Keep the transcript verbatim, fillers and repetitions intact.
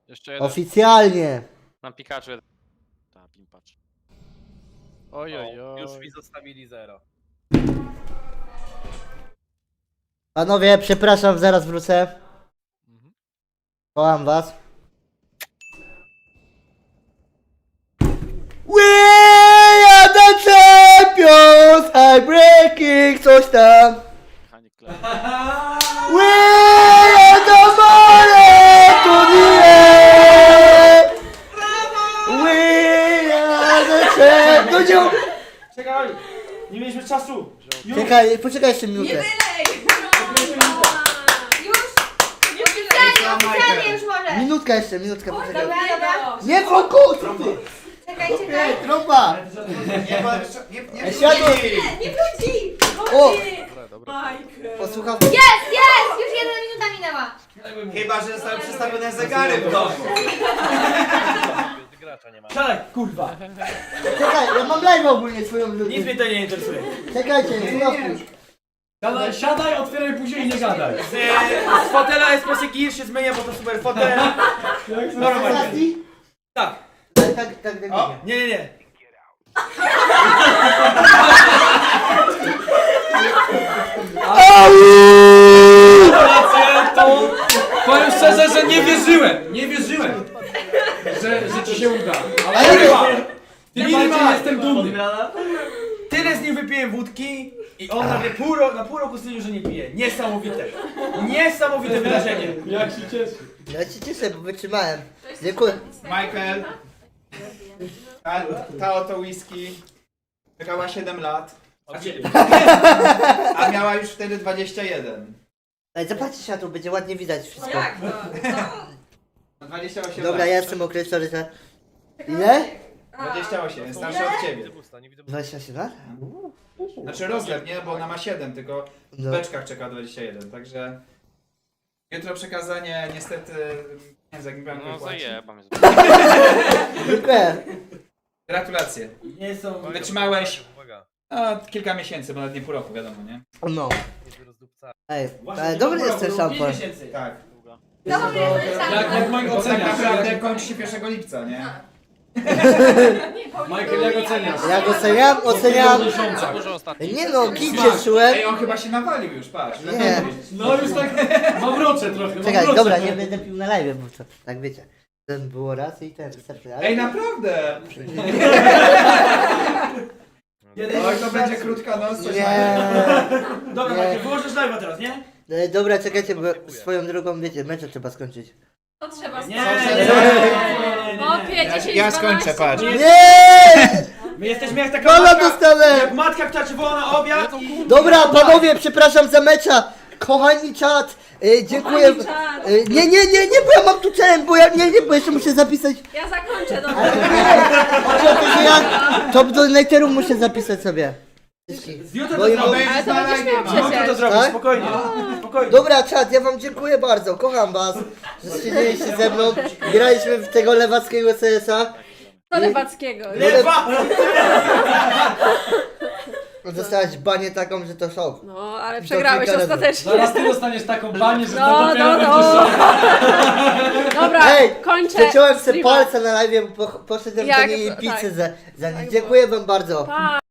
Jeszcze jeden. Oficjalnie. Na Pikachu jeden. Ta, pimpacz. Oj, oj, oj. Już mi zostawili zero. Panowie, przepraszam, zaraz wrócę. Mhm. Kocham was. We are the champions! I'm breaking coś tam. Mechanik klej. We are the money to the end! We are the champions! Czekaj! Nie mieliśmy czasu! Już! Czekaj, poczekaj jeszcze Nie minutę. wylej! Już! Oficjalnie, oficjalnie już może! Minutka jeszcze, minutka, poczekaj. Dobra, dobra. Nie fokus! Czekaj, czekaj. Ej, trąba! Nie, bo nie, nie, Ej, światło! Nie wróci! O! Dobra, dobra. Michael. Posłucham. Jest, jest! Już jedna minuta minęła. Chyba, że zostały przestawione zegary w domu. Gracza nie ma. Siadaj, kurwa! Czekaj, ja mam live ogólnie swoją Nic ludzi. mnie to nie interesuje. Czekajcie, chwilę. Siadaj, siadaj, otwieraj później i nie gadaj. Z, z fotela Espresso Gear się zmienia, bo to super fotel. Normalnie. Ostatni? Tak. Tak, tak, tak, tak. O. Nie, nie, nie. Gratulacje, to... Powiem szczerze, że nie wierzyłem. Nie wierzyłem. Że, że ci się uda. Ale kurwa, w tym walce jestem dumny. Tyle z nim wypiłem wódki i on nagle pół ro- na pół roku stwierdził, że nie pije. Niesamowite. Niesamowite wydarzenie. Jak się cieszy. Ja się cieszę, bo wytrzymałem. Dziękuję. Michael, ta, ta oto whisky czekała siedem lat, A ciebie. a miała już wtedy dwadzieścia jeden. Ej, zobaczcie światło, będzie ładnie widać wszystko. Jak to? dwadzieścia osiem Dobra, lat. ja jestem określony, że... Ile? dwadzieścia osiem, jest starszy od ciebie. dwadzieścia osiem lat? Znaczy rozlew, nie? Bo ona ma siedem, tylko w No. beczkach czeka dwadzieścia jeden, także... Jutro przekazanie, niestety... Nie wiem, jak mi bank No wypłaci. zajebam jest. Dziękuję. Gratulacje. Nie są... Wytrzymałeś no, kilka miesięcy, bo nawet nie pół roku, wiadomo, nie? No. Ej, Właśnie ale nie dobry było jest ten roku, szampon. pięć miesięcy. Tak. Dobry jest ten Jak, jak Mike Bo tak oceniasz? naprawdę Jak, kończy się pierwszego lipca, nie? Michael, jak oceniasz? Jak oceniam? Oceniam... miesiąca. Dużo ostatnich. Nie no, git się czułem. Ej, on chyba się nawalił już, patrz. Nie. No już tak mamroczę trochę, Czekaj, mamroczę. dobra, nie będę pił na live, bo to, tak wiecie. Ten było raz i ten, wystarczy. Ale... Ej, naprawdę! Jeden Oj, to będzie krótka noc, coś Nie. Dobra, Nie. Michael, wyłożysz live'a teraz, nie? E, Dobra, czekajcie, bo swoją drogą, wiecie, mecze trzeba skończyć. To trzeba Nie, skończyć. nie, nie, nie, nie, Popie, nie. dziesięć, Ja skończę, patrz. Nie! My jesteśmy jak taka Kola matka, dostanę! jak matka, która ci woła na obiad i... Dobra, panowie, przepraszam za mecza. Kochani czat, e, dziękuję. Kochani czat. E, nie, nie, nie, nie, bo ja mam tu challenge, bo ja nie, nie, bo jeszcze muszę zapisać. Ja zakończę, dobra. Ale nie, chodzi o to, że ja top donatorów muszę zapisać sobie. Z jutra Bo to im- zrobisz. Ale to będziesz miał Jutro to przecież. zrobisz, Tak? spokojnie. Spokojnie. Dobra, czat, ja wam dziękuję bardzo, kocham was, że siedzieliście ze mną. Graliśmy w tego lewackiego C S a. To Lewackiego. Lewa! Dostałaś banię taką, że to szok. No, ale przegrałeś kilka razy. ostatecznie. Zaraz ty dostaniesz taką banię, że No, to dopiero no, będzie no. szok. Dobra, Ej, kończę. przeciąłem sobie streama. palce na live, bo po- poszedłem do Jak- niej tak. pizzę za, za nim. Dziękuję wam bardzo. Pa.